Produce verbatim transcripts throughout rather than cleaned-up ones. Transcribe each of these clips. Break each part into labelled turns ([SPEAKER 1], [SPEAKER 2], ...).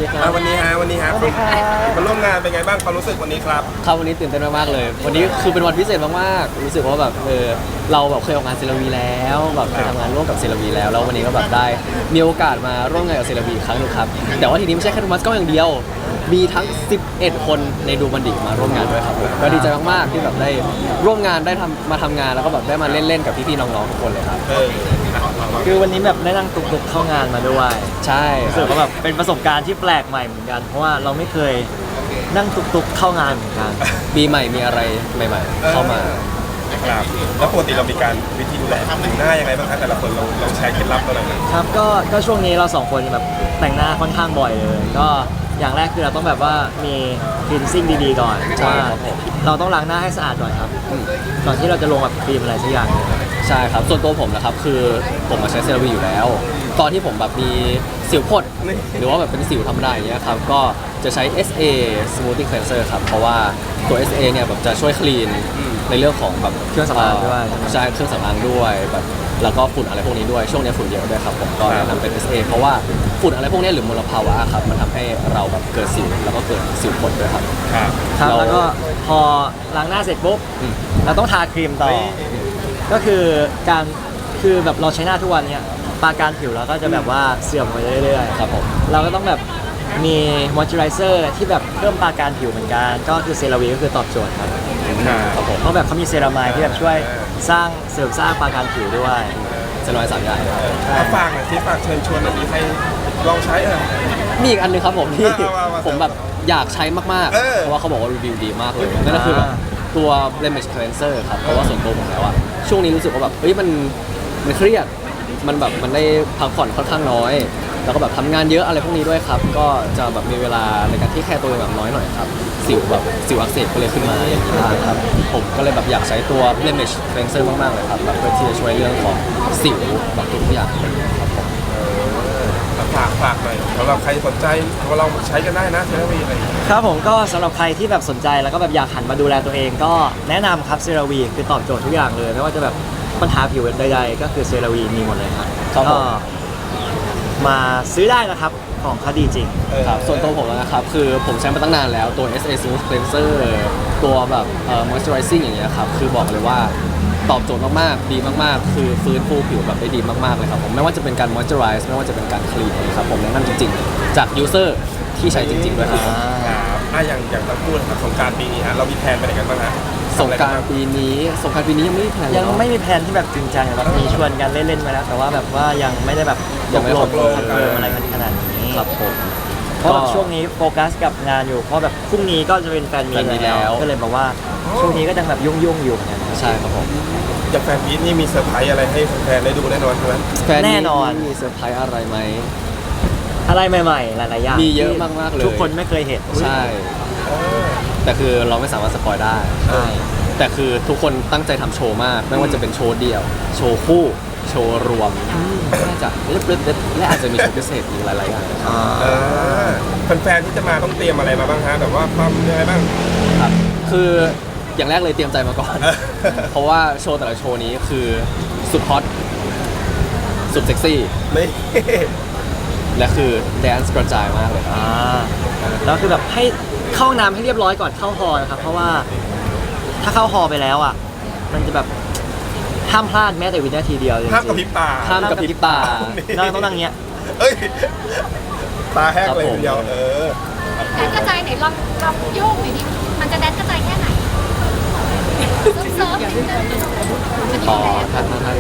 [SPEAKER 1] ดีครับ
[SPEAKER 2] วันนี้ฮะวันนี้ฮะ
[SPEAKER 1] สวัสดีครับ
[SPEAKER 2] มาร่วมงานเป็นไงบ้างความรู้สึกวันนี้ครับ
[SPEAKER 1] ครับวันนี้ตื่นเต้นมากๆเลย วันนี้คือเป็นวันพิเศษมากๆรู้สึกว่าแบบเออเราแบบเคยออกงานเซราวีแล้วแบบเคยทำงานร่วมกับเซราวีแล้วแล้ววันนี้ก็แบบได้มีโอกาสมาร่วมงานกับเซราวีครั้งหนึงครับแต่ว่าทีนี้ไม่ใช่แค่โทมัสก็อย่างเดียวมีทั้งสิบเอ็ดคนในดูมันดิมาร่วมงานด้วยครับผมก็ดีใจมากๆที่แบบได้ร่วมงานได้ทำมาทำงานแล้วก็แบบได้มาเล่นๆกับพี่ๆน้องๆทุกคนเลยครับ
[SPEAKER 2] เออ
[SPEAKER 3] คือวันนี้แบบได้นั่งตุกๆเข้างานมาด้วย
[SPEAKER 1] ใช่
[SPEAKER 3] รู้สึกว่าแบบเป็นประสบการณ์ที่แปลกใหม่เหมือนกัน เพราะว่าเราไม่เคยนั่งตุกๆเข้างานเหมือนกัน
[SPEAKER 1] ปีใหม่มีอะไรใหม่ ๆ เข้ามา
[SPEAKER 2] ครับแล้วปกติเรามีการวิธีดูแลผิวหน้ายังไงบ้างครับแต่ละคนเราเราใช้เคล็ดลับอะไรบ้าง
[SPEAKER 3] ครับก็ก็ช่วงนี้เราสองคนแบบแต่งหน้าค่อนข้างบ่อยเลย ก็อย่างแรกคือเราต้องแบบว่ามีคลีนซิ่งดีๆก่อน
[SPEAKER 1] ใช่
[SPEAKER 3] ว่า
[SPEAKER 1] ครับผม
[SPEAKER 3] เราต้องล้างหน้าให้สะอาดก่อนครับก่อนที่เราจะลงแบบครีมอะไรสักอย่างหนึ่ง
[SPEAKER 1] ใช่ครับส่วนตัวผมนะครับคือผมมาใช้เซรั่มอยู่แล้ว ตอนที่ผมแบบมีสิวพดหรือว่าแบบเป็นสิวธรรมดาอย่างเงี้ยครับก็จะใช้ เอส เอ Smoothing Cleanser ครับเพราะว่าตัว เอส เอ เนี่ยแบบจะช่วยคลีนในเรื่องของแบบ
[SPEAKER 3] เครื่องสำอางด้วยใช่ไหม
[SPEAKER 1] ใช่เครื่องสำอางด้วยแบบแล้วก็ฝุ่นอะไรพวกนี้ด้วยช่วงนี้ฝุ่นเยอะด้วยครับผมก็แนะนำเป็น เอส เอ เพราะว่าฝุ่นอะไรพวกนี้หรือมลภาวะครับมันทำให้เราแบบเกิดสิวแล้วก็เกิดสิวพดด้วยครับ
[SPEAKER 2] ครับ
[SPEAKER 3] ครับ
[SPEAKER 1] เรา
[SPEAKER 3] แล้วก็พอล้างหน้าเสร็จปุ๊บ
[SPEAKER 1] อืม
[SPEAKER 3] เราต้องทาครีมต่อ ก็คือการคือแบบเราใช้หน้าทุกวันเนี่ยปราการผิวเราก็จะแบบว่าเสื่อมไปเรื่อยๆ
[SPEAKER 1] ครับผม
[SPEAKER 3] เราก็ต้องแบบมีมอยเจอไรเซอร์ที่แบบเพิ่มปราการผิวเหมือนกัน ก็คือเซราวีก็คือตอบโจทย์ครับ
[SPEAKER 1] ครับผม
[SPEAKER 3] เพราะแบบเขามีเซรามายที่แบบช่วยสร้างเสริมสร้างปราการผิวด้วย
[SPEAKER 1] เซรั่มสามอย่างครับ
[SPEAKER 2] มาฝากหน่อยที่ฝากเชิญชวนหน่อยที่ให้ลองใช้เออ
[SPEAKER 1] มีอีกอันหนึงครับผมที่
[SPEAKER 2] เอาเอาเอา
[SPEAKER 1] ผมแบบอยากใช้มาก
[SPEAKER 2] เออ
[SPEAKER 1] ๆ เพราะว่าเขาบอกว่ารีวิวดีมากเลยนั่นก็คือแบบตัว Blemish Cleanser ครับเพราะว่าส่วนตัวผมแล้วอะช่วงนี้รู้สึกว่าแบบเฮ้ยมันมันเครียดมันแบบมันได้พักผ่อนค่อนข้างน้อย แล้วก็แบบทำงานเยอะอะไรพวกนี้ด้วยครับ ก็จะแบบมีเวลาในการที่แคร์ตัวเองแบบน้อยหน่อยครับสิวแบบสิวอักเสบก็เลยขึ้นมาอย่างนี้บ้างครับผมก็เลยแบบอยากใช้ตัว Blemish Cleanser มากๆเลยครับแบบเพื่อที่จะช่วยเรื่องของสิวแบบทุกอย่างครับผม
[SPEAKER 2] ฝากฝากหน่อยสำหรับใครสนใจเราลองใช้กันได้นะเซรั่มอะไรอย่างเงี้ย
[SPEAKER 3] ครับผมก็สำหรับใครที่แบบสนใจแล้วก็แบบอยากหันมาดูแลตัวเองก็แนะนำครับเซราวีคือตอบโจทย์ทุกอย่างเลย ไม่ว่าจะแบบปัญหาผิวใดๆก็คือเซราวีมีหมดเลยครับ
[SPEAKER 1] ครับผม
[SPEAKER 3] ก็มาซื้อได้นะครับของเขาดีจริง
[SPEAKER 1] ครับส่วนตัวผมนะครับคือผมใช้มาตั้งนานแล้วตัว เอส เอ Smooth Cleanser ตัวแบบเอ่อ moisturizing อย่างเงี้ยครับคือบอกเลยว่าตอบโจทย์มากๆดีมากๆ คือฟื้นฟูผิวแบบได้ดีมากๆเลยครับผมไม่ว่าจะเป็นการ moisturize ไม่ว่าจะเป็นการ clean นะครับผมแนะนำจริงๆ จาก user ที่ใช้จริงๆด้วยครับผม
[SPEAKER 2] ครับอ่ะอย่างอย่างทั้งคู่นะครับสงกรารปีนี้ฮะเรามีแผนไปไหนกันบ้างฮะ
[SPEAKER 1] สงกรารปีนี้สงกรารปีนี้ยังไม่มีแผน
[SPEAKER 3] ยัง
[SPEAKER 1] เนอะ
[SPEAKER 3] ไม่มีแผนที่แบบจริงจังแบบมีชวนกันเล่นๆมาแล้ว แต่ว่าแบบว่ายังไม่ได้แบบ
[SPEAKER 1] ยังไม่
[SPEAKER 3] ต
[SPEAKER 1] คร
[SPEAKER 3] ก
[SPEAKER 1] บ
[SPEAKER 3] ล
[SPEAKER 1] เล
[SPEAKER 3] ง
[SPEAKER 1] ย
[SPEAKER 3] คอนเฟิร์มอะไรกันขนาดนี้
[SPEAKER 1] ครับผม
[SPEAKER 3] เพราะแบบช่วงนี้โฟกัสกับงานอยู่ เพราะแบบพรุ่งนี้ก็จะเป็นแฟนมี
[SPEAKER 1] แฟนมี
[SPEAKER 3] ต
[SPEAKER 1] แล้
[SPEAKER 3] แล้ว ว ก็เลยแบบว่าช่วงนี้ก็ยังแบบยุ่งๆอยู่เหมือนกันครับ
[SPEAKER 1] ใช่ครับผม
[SPEAKER 2] อย่างแฟนพีทนี่มีเซอร์ไพรส์อะไรให้แฟนๆได้ดูแน่นอนใช่ไหม
[SPEAKER 1] แฟน
[SPEAKER 3] แน่นอน
[SPEAKER 1] มีเซอร์ไพรส์อะไรไหม
[SPEAKER 3] อะไรใหม่ๆ หลายๆอย่าง
[SPEAKER 1] มีเยอะมากๆเลย
[SPEAKER 3] ทุกคนไม่เคยเห็น
[SPEAKER 1] ใช่ แต่คือเราไม่สามารถสปอยได้
[SPEAKER 3] ใช่
[SPEAKER 1] แต่คือทุกคนตั้งใจทำโชว์มาก ไม่ว่าจะเป็นโชว์เดี่ยว โชว์คู่ โชว์รวมน่าจะเล็ดๆและอาจจะมีโชว์พิเศษอีกหลายๆอย่าง
[SPEAKER 3] อ่า
[SPEAKER 2] เออแฟนๆที่จะมาต้องเตรียมอะไรมาบ้างฮะแบบว่าความยังไงบ้าง
[SPEAKER 1] ครับ คืออย่างแรกเลยเตรียมใจมาก่อน เพราะว่าโชว์แต่ละโชว์นี้คือสุดฮอต สุดเซ็กซี่
[SPEAKER 2] นี่
[SPEAKER 1] และคือแดนซ์กระจายมากเลยครับ
[SPEAKER 3] อ่าแล้วคือแบบให้เข้าห้องน้ำให้เรียบร้อยก่อนเข้าฮอลล์นะครับ เพราะว่าถ้าเข้าฮอลล์ไปแล้วอ่ะ มันจะแบบห้ามพลาดแม้แต่วินาทีเดียวจริงๆ
[SPEAKER 2] ห้ามกระพริบตา
[SPEAKER 1] ห้ามกระพริบตา
[SPEAKER 3] นั่งต้องนั่งเงี้ย
[SPEAKER 2] เอ้ยตาแห้งเลยทีเดียวเออ
[SPEAKER 4] แดนกระจายไหนลองลองโยกหน่อยดิมันจะแดนกระจายแค่ไหนเซิร์ฟๆนิดนึงมัน
[SPEAKER 1] อ๋อ
[SPEAKER 4] อยู่แดน
[SPEAKER 1] ท่านท่านท่าน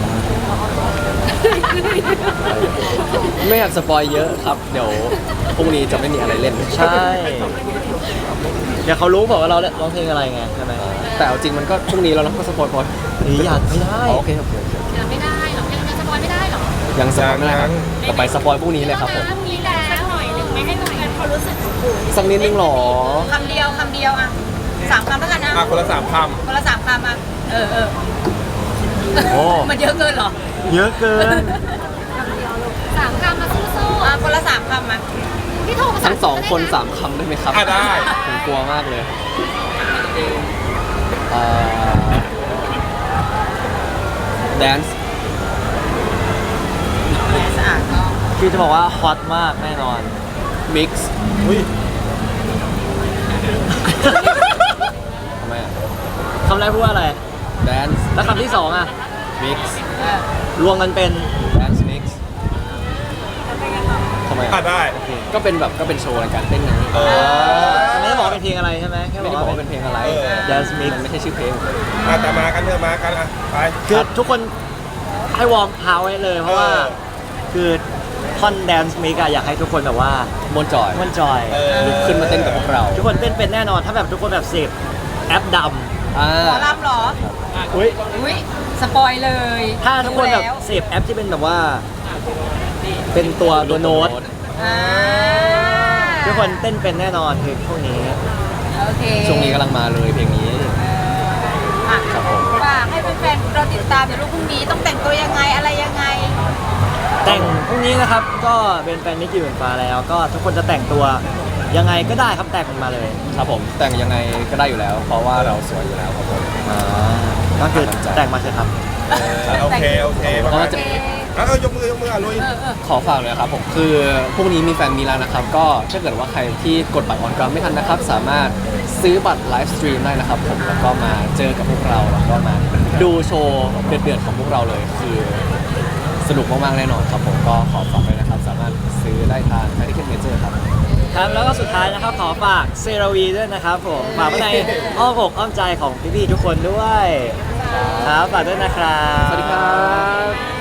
[SPEAKER 1] ไม่อยากสปอยเยอะครับ เดี๋ยวพรุ่งนี้จะไม่มีอะไรเล่น
[SPEAKER 3] ใช่เดี๋ยวเขารู้บอกว่าเราร้องเพลงอะไรไงใช่ไหม
[SPEAKER 1] แต่เอาจริงมันก็พรุ่งนี้เราต้องก็สปอยพอ
[SPEAKER 3] หรืออยากไม่ได้
[SPEAKER 1] อ๋อโอเคครับโอเค
[SPEAKER 4] ยังไม่ได้หรอกยังยังสปอยไม่ได้หรอก
[SPEAKER 1] ยังสปอยไม่ได้ครับต่อไปสปอยพรุ่งนี้เลยครับผม
[SPEAKER 4] น้ำมีแล้วหน่อยหนึ่งไม่ให้หน่อยเขารู้สึก
[SPEAKER 1] สักนิดนึงหรอ
[SPEAKER 5] คำเดียวคำเดียวอ่ะสามคำแล้วกันนะ
[SPEAKER 2] อ่ะคนละสามค
[SPEAKER 5] คนละสามคำอ่ะเออเออ
[SPEAKER 3] โอ้
[SPEAKER 5] มันเยอะเกินเหรอ
[SPEAKER 3] เยอะเกิน
[SPEAKER 4] สามคำมาสู้
[SPEAKER 5] อ่ะคนละสามคำอ่ะ
[SPEAKER 4] ๆพี่โทรภาษา
[SPEAKER 1] ทั้งสองคน
[SPEAKER 4] ก็ได้ะ
[SPEAKER 1] สามคำได้ไหมครับ
[SPEAKER 2] ำอ่ะได้
[SPEAKER 1] ผมกลัวมากเลยแดนซ์
[SPEAKER 5] สะอาดก็
[SPEAKER 3] คือจะบอกว่าฮอตมากแน่นอน
[SPEAKER 1] มิกซ์
[SPEAKER 2] อุ้ย
[SPEAKER 1] ทำไมอ่ะ
[SPEAKER 3] คำแรกพูดว่าอะไร
[SPEAKER 1] แดนซ์
[SPEAKER 3] แล้วคำที่สองอ่ะ
[SPEAKER 1] มิกซ์
[SPEAKER 5] เออ
[SPEAKER 3] รวมกันเป็น
[SPEAKER 1] แดนซ์มิกซ์ทำไม
[SPEAKER 2] อ่ะ
[SPEAKER 1] อ่ะ
[SPEAKER 2] ได้
[SPEAKER 1] ก็เป็นแบบก็เป็นโชว์ในการเต้นไง
[SPEAKER 2] เออ
[SPEAKER 3] ไม่ได้บอกว่าเป็นเพลงอะไรใช่ไหมแค่บ
[SPEAKER 1] ไม่
[SPEAKER 3] อก
[SPEAKER 1] ได้บอก
[SPEAKER 3] ว่า
[SPEAKER 1] ว่า
[SPEAKER 3] เป็
[SPEAKER 1] เป็น นเพลงอะไร
[SPEAKER 2] เออ
[SPEAKER 3] Dance Mix
[SPEAKER 1] มันไม่ใช่ชื่อเพลง
[SPEAKER 2] อ่ะแต่มากันเถอะมากันอ่ะไป
[SPEAKER 3] คือทุกคนให้วอร์มเท้าไว้เลยเพราะว่า
[SPEAKER 2] เออ
[SPEAKER 3] คือท่อนแดนซ์มิกอะอยากให้ทุกคนแบบว่าม
[SPEAKER 1] วนจอย
[SPEAKER 3] มันจอย
[SPEAKER 2] เออ
[SPEAKER 1] ลุกขึ้นมาเต้นกับพวกเรา
[SPEAKER 3] ทุกคนเต้นเป็นแน่นอนถ้าแบบทุกคนแบบเสพแอปด
[SPEAKER 1] อ่า
[SPEAKER 5] หมอลำเหรอ
[SPEAKER 3] ำอุ้ย
[SPEAKER 5] อุ้ยสปอยเลย
[SPEAKER 3] ถ้าทุกคนแบบ
[SPEAKER 5] รู้แล้ว
[SPEAKER 3] เสพแอปที่เป็นแบบว่า เป็นตัวตัวโน้ต
[SPEAKER 5] อ่า
[SPEAKER 3] ทุกคนเต้นเป็นแน่นอนคือพวกนี้
[SPEAKER 5] โอเค
[SPEAKER 1] ช่วงนี้กำลังมาเลยเพลงนี้
[SPEAKER 5] อ่ะ
[SPEAKER 1] ครับผม
[SPEAKER 5] ฝากให้แฟนๆเราติดตามเดี๋ยวลูกพรุ่งนี้ต้องแต่งตัวยังไงอะไรยังไง
[SPEAKER 3] แต่งพรุ่งนี้นะครับก็เป็นแฟนมิกกี้หมื่นฟ้าแล้ว ก็ทุกคนจะแต่งตัวยังไงก็ได้ครับแต่งมันมาเลย
[SPEAKER 1] ครับผมแต่งยังไงก็ได้อยู่แล้ว เพราะว่าเราสวยอยู่แล้วครับผม
[SPEAKER 3] อ่าก็คือแต่งมาเถอะครับ
[SPEAKER 2] โอเคโอเคประมาณ
[SPEAKER 1] จะ
[SPEAKER 2] นี้อ่ะเออยกมือยกมืออ่ะลุย
[SPEAKER 5] เออเออ
[SPEAKER 1] ขอฝากเลยครับผมคือพรุ่งนี้มีแฟนมีแล้วนะครับ ก็ถ้าเกิดว่าใครที่กดบัตรออนกราวไม่ทันนะครับ สามารถซื้อบัตรไลฟ์สตรีมได้นะครับผมแล้วก็มาเจอกับพวกเราแล้วก็มาดูโชว์เดือดๆของพวกเราเลย คือสนุกมากๆแน่นอนครับผมก็ขอฝากเลยนะครับ สามารถซื้อได้ทางไทยทิเก็ตเมเจอร์ครับ
[SPEAKER 3] ครับแล้วก็สุดท้ายนะครับขอฝากเซราวีด้วยนะครับผมฝากไว้ในอ้อมอกอ้อมใจของพี่ๆทุกคนด้วยครับฝากด้วยนะครับ
[SPEAKER 1] สวัสดีครับ